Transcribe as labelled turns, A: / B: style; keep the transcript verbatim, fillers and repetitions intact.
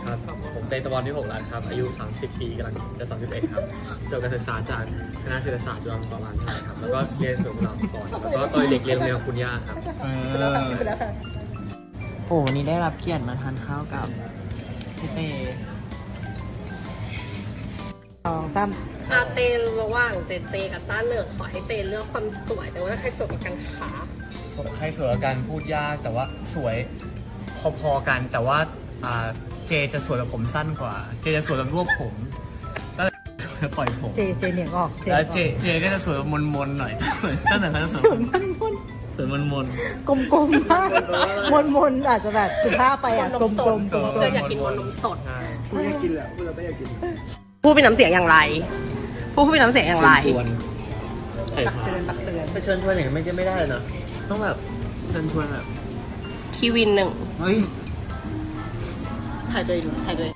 A: ครับผมเตยตะวันที่หกแล้วครับอายุสามสิบปีกำลังจะสามสิบเอ็ดครับจบการศึกษาจากคณะเศรษฐศาสตร์จุฬาลงกรณ์มหาวิทยาลัยครับแล้วก็เรียนสูงเราก่อนแล้วก็ตอนเด็กเรียนโรงเรียนของคุณย่าครับ
B: โอ้วันนี้ได้รับเกียรติมาทานข้าวกับพี่เต
C: สองสาม
D: อาเตนระหว่างเจเจกับต้าเหนิงขอให้เตนเลือกความสวยแต่ว่าใครสวยกว่ากันคะ
A: ใครสวยกว่ากันพูดยากแต่ว่าสวยพอๆกันแต่ว่าอ่าเจจะสวยแบบผมสั้นกว่า เจจะสวยแบบรวบผมก็เลยสวยแบบปล่อยผม
C: เจเจเหนียงออก
A: แล้วเจเจก็จะสวยแบบมนๆหน่อยตั้งแต่เขาจะสวย
C: มันมน
A: สวยมน
C: กลมกลมๆมากมนมนๆอาจจะแบบสุภาพไปอ่ะกลมกลม
A: ๆ
C: กลม
D: เตยอยากกินบนนมสด
A: ใช่
D: พูดเป็นน้ำเสียงอย่างไร พูดเป็นน้ำเสียงอย่างไร
A: ชวนใส่
C: ตัก
A: ผ้า
C: เตือนตักเตือน
A: ไปเชิญชวนอย่างนี้ไม่ใช่ไม่ได้เลยนะต้องแบบเชิญชวนแบบ
D: คีวินหนึ่ง
A: เฮ้ย
C: ถ่ายตัวเองถ่ายตัวเอง